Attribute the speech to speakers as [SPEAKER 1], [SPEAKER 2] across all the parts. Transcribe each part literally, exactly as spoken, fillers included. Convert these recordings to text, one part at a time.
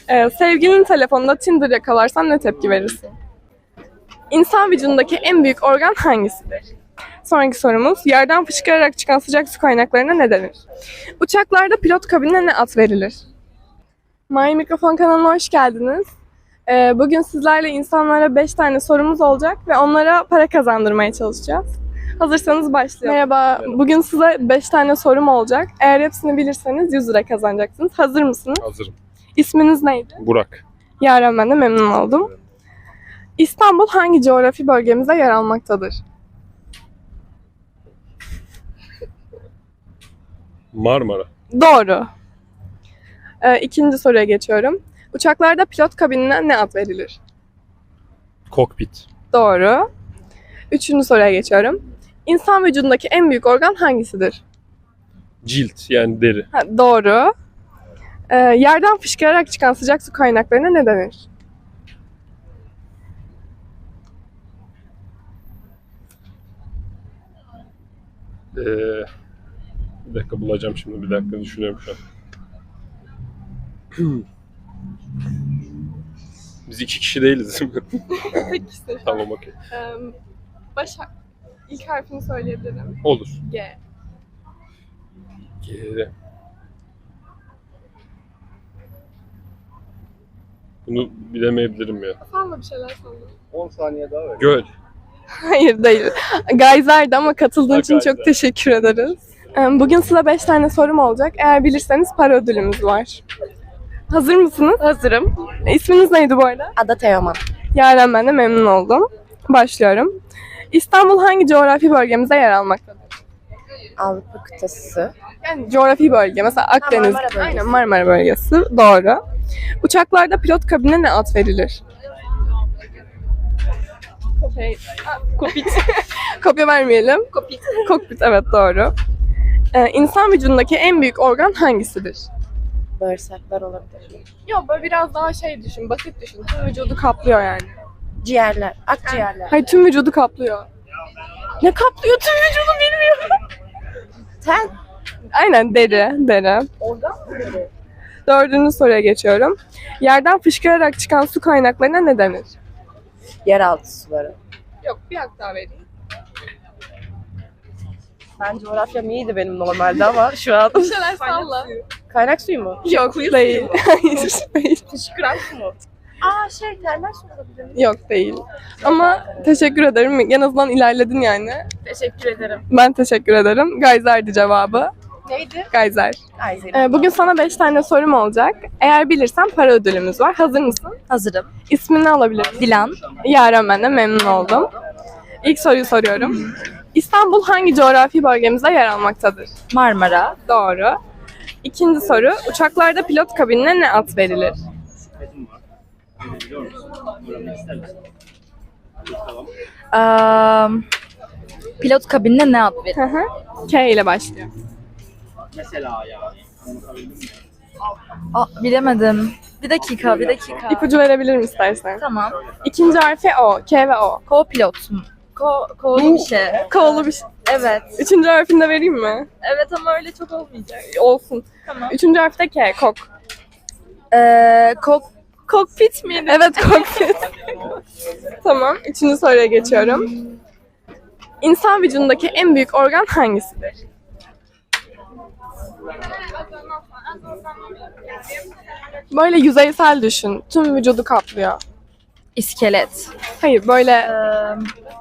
[SPEAKER 1] Ee, sevgilinin telefonunda Tinder yakalarsan ne tepki verirsin? İnsan vücudundaki en büyük organ hangisidir? Sonraki sorumuz, yerden fışkırarak çıkan sıcak su kaynaklarına ne denir? Uçaklarda pilot kabinine ne ad verilir? My Mikrofon kanalına hoş geldiniz. Ee, bugün sizlerle insanlara beş tane sorumuz olacak ve onlara para kazandırmaya çalışacağız. Hazırsanız başlayalım. Merhaba, bugün size beş tane sorum olacak. Eğer hepsini bilirseniz yüz lira kazanacaksınız. Hazır mısınız?
[SPEAKER 2] Hazırım.
[SPEAKER 1] İsminiz neydi?
[SPEAKER 2] Burak.
[SPEAKER 1] Yaren, ben de memnun oldum. İstanbul hangi coğrafi bölgemize yer almaktadır?
[SPEAKER 2] Marmara.
[SPEAKER 1] Doğru. Ee, ikinci soruya geçiyorum. Uçaklarda pilot kabinine ne ad verilir?
[SPEAKER 2] Kokpit.
[SPEAKER 1] Doğru. Üçüncü soruya geçiyorum. İnsan vücudundaki en büyük organ hangisidir?
[SPEAKER 2] Cilt yani deri.
[SPEAKER 1] Ha, doğru. Ee, yerden fışkırarak çıkan sıcak su kaynaklarına ne denir?
[SPEAKER 2] Ee, bir dakika bulacağım şimdi. Bir dakika düşünüyorum şu an. Biz iki kişi değiliz değil mi?
[SPEAKER 1] Tek kişi.
[SPEAKER 2] Tamam, okey.
[SPEAKER 1] Ee, baş ilk harfini söyleyebilirim.
[SPEAKER 2] Olur.
[SPEAKER 1] G.
[SPEAKER 2] G. Bunu bilemeyebilirim ya.
[SPEAKER 1] Salla bir şeyler salla.
[SPEAKER 3] on saniye daha ver.
[SPEAKER 2] Göl.
[SPEAKER 1] Hayır değil. Gayzer'di ama katıldığın
[SPEAKER 2] Ha,
[SPEAKER 1] için çok
[SPEAKER 2] Gayzer.
[SPEAKER 1] teşekkür ederiz. Ee, Bugün size beş tane sorum olacak. Eğer bilirseniz para ödülümüz var. Hazır mısınız? Hazırım. İsminiz neydi bu arada?
[SPEAKER 4] Ada Teoman.
[SPEAKER 1] Yaren, ben de memnun oldum. Başlıyorum. İstanbul hangi coğrafi bölgemize yer almaktadır?
[SPEAKER 4] Avrupa kıtası.
[SPEAKER 1] Yani coğrafi bölge. Mesela Akdeniz.
[SPEAKER 4] Marmara bölgesi.
[SPEAKER 1] Aynen, Marmara bölgesi. Doğru. Uçaklarda pilot kabinine ne ad verilir? Şey, kokpit. Kopya vermeyelim. Kokpit. Kokpit, evet doğru. Ee, insan vücudundaki en büyük organ hangisidir?
[SPEAKER 4] Bağırsaklar olabilir.
[SPEAKER 1] Yok, böyle biraz daha şey düşün, basit düşün. Tüm vücudu kaplıyor yani.
[SPEAKER 4] Ciğerler, akciğerler.
[SPEAKER 1] Hayır, tüm vücudu kaplıyor. Ne kaplıyor tüm vücudu bilmiyorum.
[SPEAKER 4] Ten.
[SPEAKER 1] Aynen, deri, deri.
[SPEAKER 4] Organ mı dedi?
[SPEAKER 1] Dördüncü soruya geçiyorum. Yerden fışkırarak çıkan su kaynaklarına ne denir?
[SPEAKER 4] Yeraltı suları.
[SPEAKER 1] Yok, bir hak daha vereyim.
[SPEAKER 4] Ben coğrafyam iyiydi benim normalde ama şu an.
[SPEAKER 1] Bir şeyler salla.
[SPEAKER 4] Kaynak suyu mu?
[SPEAKER 1] Yok, değil. Hayır, değil.
[SPEAKER 4] Fışkıran su mu? Aa şey termal su olabilir mi?
[SPEAKER 1] Yok, değil. Ama teşekkür ederim. En azından ilerledin yani.
[SPEAKER 4] Teşekkür ederim.
[SPEAKER 1] Ben teşekkür ederim. Gayzer'di cevabı.
[SPEAKER 4] Neydi?
[SPEAKER 1] Gayzer.
[SPEAKER 4] Ay Zeynep.
[SPEAKER 1] Ee, bugün sana beş tane sorum olacak. Eğer bilirsen para ödülümüz var. Hazır mısın?
[SPEAKER 4] Hazırım.
[SPEAKER 1] İsmini alabilirim.
[SPEAKER 4] Dilan.
[SPEAKER 1] Yaren, ben de memnun oldum. İlk soruyu soruyorum. İstanbul hangi coğrafi bölgemize yer almaktadır?
[SPEAKER 4] Marmara.
[SPEAKER 1] Doğru. İkinci soru. Uçaklarda pilot kabinine ne ad verilir?
[SPEAKER 5] Um, pilot kabinine ne ad verir?
[SPEAKER 1] Hı hı. K ile başlıyor.
[SPEAKER 5] Aa, bilemedim. Bir dakika, bir dakika.
[SPEAKER 1] İpucu verebilirim istersen.
[SPEAKER 5] Tamam.
[SPEAKER 1] İkinci harfi O. K ve O.
[SPEAKER 5] Co-pilot mu? Ko, ko'lu bir şey.
[SPEAKER 1] K'lı bir şey.
[SPEAKER 5] Evet.
[SPEAKER 1] Üçüncü harfini de vereyim mi?
[SPEAKER 5] Evet ama öyle çok olmayacak.
[SPEAKER 1] Olsun.
[SPEAKER 5] Tamam.
[SPEAKER 1] Üçüncü harfi de K. Kok.
[SPEAKER 5] Ee, kok, kokpit miydi?
[SPEAKER 1] Evet, kokpit. Tamam. Üçüncü soruya geçiyorum. İnsan vücudundaki en büyük organ hangisidir? Böyle yüzeysel düşün. Tüm vücudu kaplıyor.
[SPEAKER 5] İskelet.
[SPEAKER 1] Hayır, böyle
[SPEAKER 5] Ee,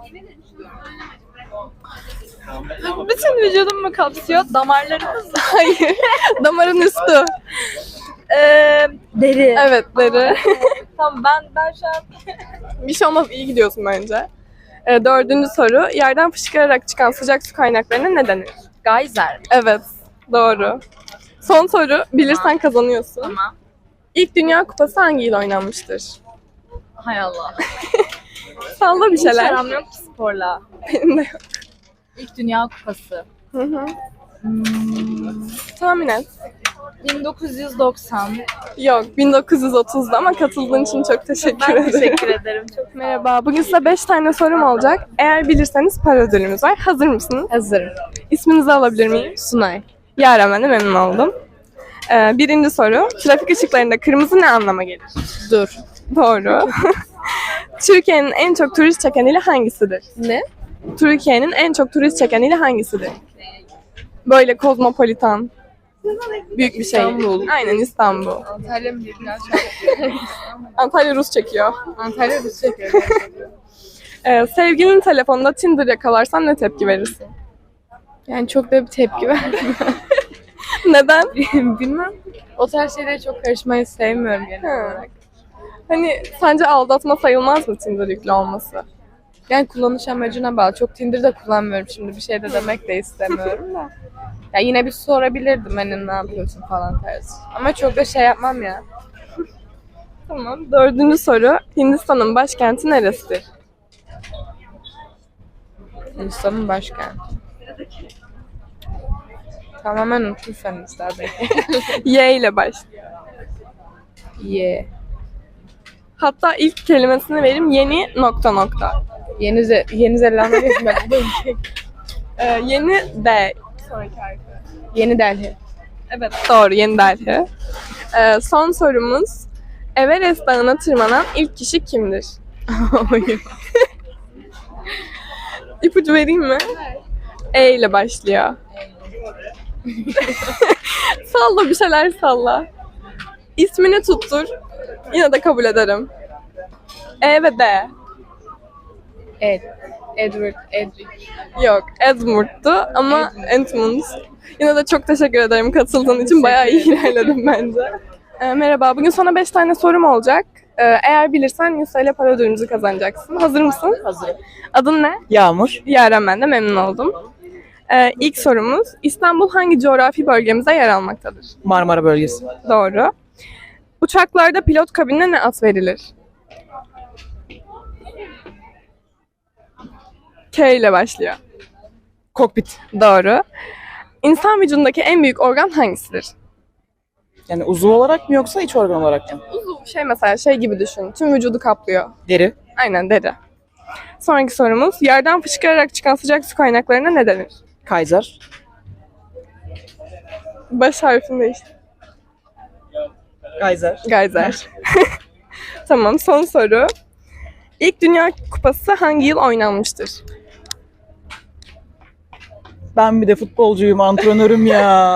[SPEAKER 5] bütün vücudumu kapsıyor. Damarlarımız.
[SPEAKER 1] hayır. Damarın üstü.
[SPEAKER 5] Ee, deri.
[SPEAKER 1] Evet, deri.
[SPEAKER 5] Tamam ben ben şu an
[SPEAKER 1] Bir şey olmaz, iyi gidiyorsun bence. Ee, dördüncü soru. Yerden fışkırarak çıkan sıcak su kaynaklarına ne denir?
[SPEAKER 5] geyser.
[SPEAKER 1] Evet, doğru. Son soru. Bilirsen kazanıyorsun.
[SPEAKER 5] Tamam.
[SPEAKER 1] İlk Dünya Kupası hangi yıl oynanmıştır?
[SPEAKER 5] Hay Allah.
[SPEAKER 1] Salla bir
[SPEAKER 5] Hiç
[SPEAKER 1] şeyler.
[SPEAKER 5] aram yok ki sporla.
[SPEAKER 1] Benim de yok.
[SPEAKER 5] İlk Dünya Kupası.
[SPEAKER 1] Hı hı.
[SPEAKER 5] Hmm,
[SPEAKER 1] Tahmin et.
[SPEAKER 5] bin dokuz yüz doksan.
[SPEAKER 1] Yok, bin dokuz yüz otuzda ama katıldığın için çok teşekkür
[SPEAKER 5] Ben
[SPEAKER 1] ederim.
[SPEAKER 5] teşekkür ederim. Çok
[SPEAKER 1] Merhaba, bugün size beş tane sorum olacak. Eğer bilirseniz para ödülümüz var. Hazır mısınız?
[SPEAKER 4] Hazırım.
[SPEAKER 1] İsminizi alabilir miyim?
[SPEAKER 4] Sunay.
[SPEAKER 1] Yaren, ben de memnun oldum. Ee, birinci soru. Trafik ışıklarında kırmızı ne anlama gelir?
[SPEAKER 4] Dur.
[SPEAKER 1] Doğru. Türkiye'nin en çok turist çeken ili hangisidir?
[SPEAKER 4] Ne?
[SPEAKER 1] Türkiye'nin en çok turist çeken ili hangisidir? Böyle kozmopolitan. Büyük bir şey.
[SPEAKER 4] İstanbul.
[SPEAKER 1] Aynen İstanbul.
[SPEAKER 4] Antalya mı diye biraz
[SPEAKER 1] Antalya Rus çekiyor.
[SPEAKER 4] Antalya Rus çekiyor.
[SPEAKER 1] Ee, sevgilinin telefonunda Tinder yakalarsan ne tepki verirsin?
[SPEAKER 4] Yani çok da bir tepki verdim.
[SPEAKER 1] Neden?
[SPEAKER 4] Bilmem. O tarz şeylere çok karışmayı sevmiyorum genel
[SPEAKER 1] Ha.
[SPEAKER 4] olarak.
[SPEAKER 1] Hani sence aldatma sayılmaz mı Tinder yüklü olması?
[SPEAKER 4] Yani kullanış amacına bağlı. Çok Tinder de kullanmıyorum şimdi. Bir şey de demek de istemiyorum da. Ya yine bir sorabilirdim hani ne yapıyorsun falan tarzı. Ama çok da şey yapmam ya.
[SPEAKER 1] Tamam. Dördüncü soru. Hindistan'ın başkenti neresidir?
[SPEAKER 4] Hindistan'ın başkenti. Tamamen unuttum sen listedeki.
[SPEAKER 1] Y ile başlıyor.
[SPEAKER 4] Ye.
[SPEAKER 1] Hatta ilk kelimesini vereyim. Yeni nokta nokta.
[SPEAKER 4] Yeni, Ze- Yeni Zelanda gezmek. Bu da ülke.
[SPEAKER 1] Ee, yeni D. Sonraki harfi.
[SPEAKER 4] Yeni Delhi.
[SPEAKER 1] Evet doğru. Yeni Delhi. Ee, son sorumuz. Everest Dağı'na tırmanan ilk kişi kimdir? İpucu vereyim mi? E ile başlıyor. Salla bir şeyler salla. İsmini tuttur. Yine de kabul ederim. E ve D.
[SPEAKER 4] Ed. Edward. Edric.
[SPEAKER 1] Yok. Edmund'tu ama Edmund. Yine de çok teşekkür ederim katıldığın için. Bayağı iyi ilerledim bence. Ee, merhaba. Bugün sana beş tane sorum olacak. Ee, eğer bilirsen yüz T L para ödülümüzü kazanacaksın. Hazır mısın?
[SPEAKER 3] Hazırım.
[SPEAKER 1] Adın ne?
[SPEAKER 3] Yağmur.
[SPEAKER 1] Yaren, ben de memnun oldum. Ee, ilk sorumuz. İstanbul hangi coğrafi bölgemize yer almaktadır?
[SPEAKER 3] Marmara bölgesi.
[SPEAKER 1] Doğru. Uçaklarda pilot kabinine ne ad verilir? K ile başlıyor.
[SPEAKER 3] Kokpit.
[SPEAKER 1] Doğru. İnsan vücudundaki en büyük organ hangisidir?
[SPEAKER 3] Yani uzuv olarak mı yoksa iç organ olarak mı?
[SPEAKER 1] Uzuv şey mesela şey gibi düşün. Tüm vücudu kaplıyor.
[SPEAKER 3] Deri.
[SPEAKER 1] Aynen deri. Sonraki sorumuz. Yerden fışkırarak çıkan sıcak su kaynaklarına ne denir?
[SPEAKER 3] Kaiser.
[SPEAKER 1] Baş harfinde işte.
[SPEAKER 3] Geyser.
[SPEAKER 1] Geyser. Tamam, son soru. İlk Dünya Kupası hangi yıl oynanmıştır?
[SPEAKER 3] Ben bir de futbolcuyum, antrenörüm ya.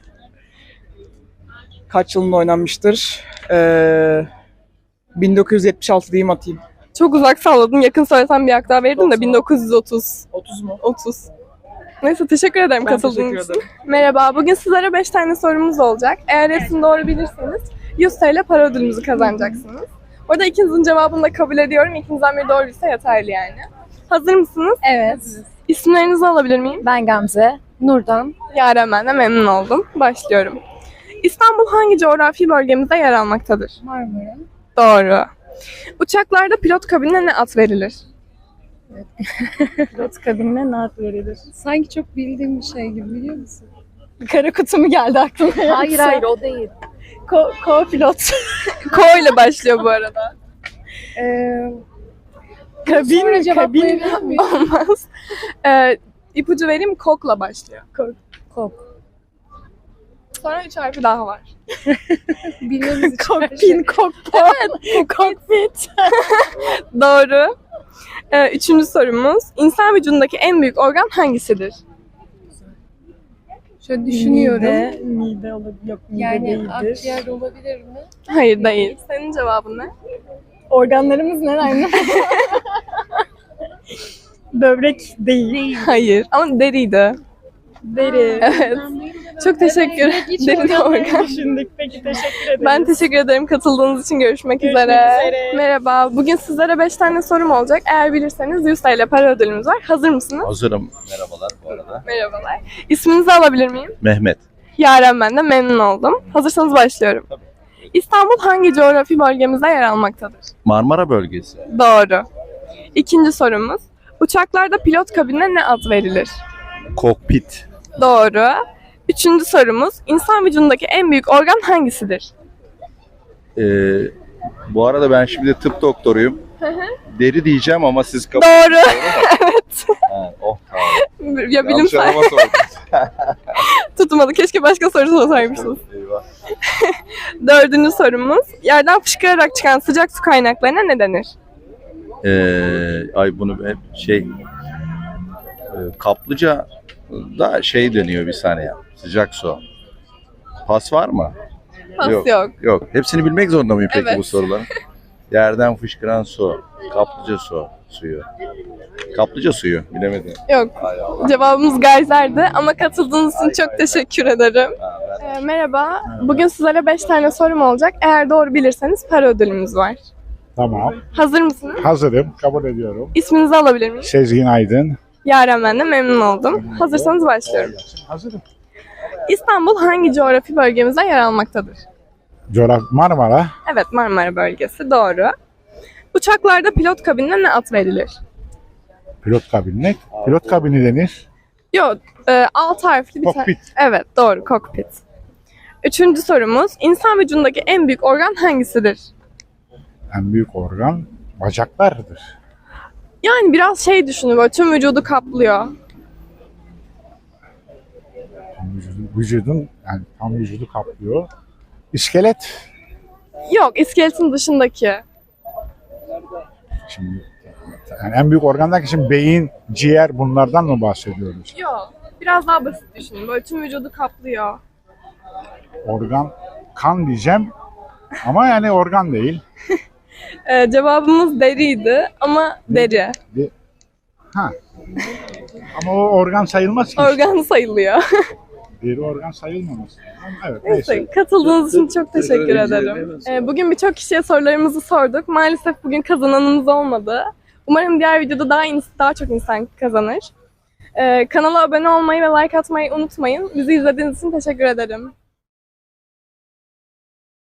[SPEAKER 3] Kaç yılında oynanmıştır? Ee, bin dokuz yüz yetmiş altı diyeyim atayım.
[SPEAKER 1] Çok uzak salladım. Yakın söylesem bir hak daha verirdim de bin dokuz yüz otuz.
[SPEAKER 3] otuz mu?
[SPEAKER 1] otuz. Neyse teşekkür ederim
[SPEAKER 3] Ben
[SPEAKER 1] katıldığınız
[SPEAKER 3] teşekkür
[SPEAKER 1] için.
[SPEAKER 3] ederim.
[SPEAKER 1] Merhaba. Bugün sizlere beş tane sorumuz olacak. Eğer hepsini doğru bilirseniz yüz T L para ödülümüzü kazanacaksınız. Orada ikinizin cevabını da kabul ediyorum. İkinizden biri doğruysa yeterli yani. Hazır mısınız?
[SPEAKER 5] Evet.
[SPEAKER 1] İsimlerinizi alabilir miyim?
[SPEAKER 5] Ben Gamze. Nurdan.
[SPEAKER 1] Yaren, ben de memnun oldum. Başlıyorum. İstanbul hangi coğrafi bölgemizde yer almaktadır?
[SPEAKER 5] Marmara.
[SPEAKER 1] Doğru. Uçaklarda pilot kabinine ne ad verilir?
[SPEAKER 5] Pilot kabinine ne ad verilir? Sanki çok bildiğim bir şey gibi, biliyor musun? Kara kutu mu geldi aklıma? Hayır hayır o değil. Ko, co-pilot.
[SPEAKER 1] Ko ile başlıyor bu arada.
[SPEAKER 5] Ee, kabin, kabin.
[SPEAKER 1] Olmaz. Ee, ipucu vereyim mi? Kokla başlıyor.
[SPEAKER 5] Kok. Kok.
[SPEAKER 1] Sonra üç harfi daha var.
[SPEAKER 5] Bilmemiz için.
[SPEAKER 4] Kokpin, kokpit.
[SPEAKER 1] Evet. Kokpit. Doğru. Ee, üçüncü sorumuz. İnsan vücudundaki en büyük organ hangisidir?
[SPEAKER 4] Şöyle düşünüyorum.
[SPEAKER 5] Mide, mide olabilir. Yok mide
[SPEAKER 4] Yani
[SPEAKER 5] değildir.
[SPEAKER 4] akciğer olabilir mi?
[SPEAKER 1] Hayır değil. Senin cevabın ne?
[SPEAKER 5] Organlarımız neler? Böbrek değil.
[SPEAKER 1] Hayır. Ama deriydi.
[SPEAKER 5] Deri.
[SPEAKER 1] Evet. Çok teşekkür ederim. Deri organ.
[SPEAKER 5] Düşündük. Peki teşekkür ederim.
[SPEAKER 1] Ben teşekkür ederim katıldığınız için. Görüşmek,
[SPEAKER 5] Görüşmek
[SPEAKER 1] üzere.
[SPEAKER 5] üzere.
[SPEAKER 1] Merhaba. Bugün sizlere beş tane sorum olacak. Eğer bilirseniz yüz T L para ödülümüz var. Hazır mısınız?
[SPEAKER 6] Hazırım. Merhabalar bu arada.
[SPEAKER 1] Merhabalar. İsminizi alabilir miyim?
[SPEAKER 6] Mehmet.
[SPEAKER 1] Yaren, ben de memnun oldum. Hazırsanız başlıyorum.
[SPEAKER 6] Tabii.
[SPEAKER 1] İstanbul hangi coğrafi bölgemizde yer almaktadır?
[SPEAKER 6] Marmara bölgesi.
[SPEAKER 1] Doğru. İkinci sorumuz. Uçaklarda pilot kabinine ne ad verilir?
[SPEAKER 6] Kokpit.
[SPEAKER 1] Doğru. Üçüncü sorumuz. İnsan vücudundaki en büyük organ hangisidir?
[SPEAKER 6] Ee, bu arada ben şimdi tıp doktoruyum. Deri diyeceğim ama siz kabul
[SPEAKER 1] Doğru.
[SPEAKER 6] evet. Ha, oh tamam.
[SPEAKER 1] Ya
[SPEAKER 6] Yanlış
[SPEAKER 1] bilimsel
[SPEAKER 6] adama sordunuz.
[SPEAKER 1] tutmadı. Keşke başka soru sorsaymışsınız.
[SPEAKER 6] Eyvah.
[SPEAKER 1] Dördüncü sorumuz. Yerden fışkırarak çıkan sıcak su kaynaklarına ne denir?
[SPEAKER 6] Ee, ay bunu hep şey e, kaplıca da şey deniyor bir saniye. Sıcak su. Pas var mı?
[SPEAKER 1] Pas
[SPEAKER 6] Yok.
[SPEAKER 1] yok.
[SPEAKER 6] Yok. Hepsini bilmek zorunda mıyım peki
[SPEAKER 1] Evet.
[SPEAKER 6] bu soruların? Yerden fışkıran su. Kaplıca su. Suyu. Kaplıca suyu. Bilemedim.
[SPEAKER 1] Yok. Cevabımız gayzerdi ama katıldığınız için çok teşekkür ederim. Ee, merhaba. Bugün sizlere beş tane sorum olacak. Eğer doğru bilirseniz para ödülümüz var.
[SPEAKER 7] Tamam.
[SPEAKER 1] Hazır mısınız?
[SPEAKER 7] Hazırım. Kabul ediyorum.
[SPEAKER 1] İsminizi alabilir miyim?
[SPEAKER 7] Sezgin Aydın.
[SPEAKER 1] Yaren ben de memnun oldum. Hazırsanız başlıyorum.
[SPEAKER 7] Hazırım.
[SPEAKER 1] İstanbul hangi coğrafi bölgemizde yer almaktadır?
[SPEAKER 7] Coğrafya Marmara.
[SPEAKER 1] Evet, Marmara bölgesi. Doğru. Uçaklarda pilot kabinine ne ad verilir?
[SPEAKER 7] Pilot kabini. Pilot kabini denir.
[SPEAKER 1] Yok, e, alt harfli bir tane.
[SPEAKER 7] Kokpit.
[SPEAKER 1] Evet, doğru, kokpit. Üçüncü sorumuz. İnsan vücudundaki en büyük organ hangisidir?
[SPEAKER 7] En büyük organ bacaklardır.
[SPEAKER 1] Yani biraz şey düşünün, böyle tüm vücudu kaplıyor.
[SPEAKER 7] Tam vücudun, vücudun yani tam vücudu kaplıyor. İskelet.
[SPEAKER 1] Yok, iskeletin dışındaki.
[SPEAKER 7] Şimdi yani en büyük organlar için beyin, ciğer bunlardan mı bahsediyoruz?
[SPEAKER 1] Yok, biraz daha basit düşünün. Böyle tüm vücudu kaplıyor.
[SPEAKER 7] Organ, kan diyeceğim ama yani organ değil.
[SPEAKER 1] E, cevabımız deriydi ama deri.
[SPEAKER 7] Bir- Ha. Ama o organ sayılmaz ki.
[SPEAKER 1] Organ sayılıyor.
[SPEAKER 7] Bir organ sayılmaması. Ama evet
[SPEAKER 1] Neyse,
[SPEAKER 7] neyse.
[SPEAKER 1] katıldığınız için çok teşekkür ederim. Ee, bugün birçok kişiye sorularımızı sorduk. Maalesef bugün kazananımız olmadı. Umarım diğer videoda daha ins- daha çok insan kazanır. Ee, kanala abone olmayı ve like atmayı unutmayın. Bizi izlediğiniz için teşekkür ederim.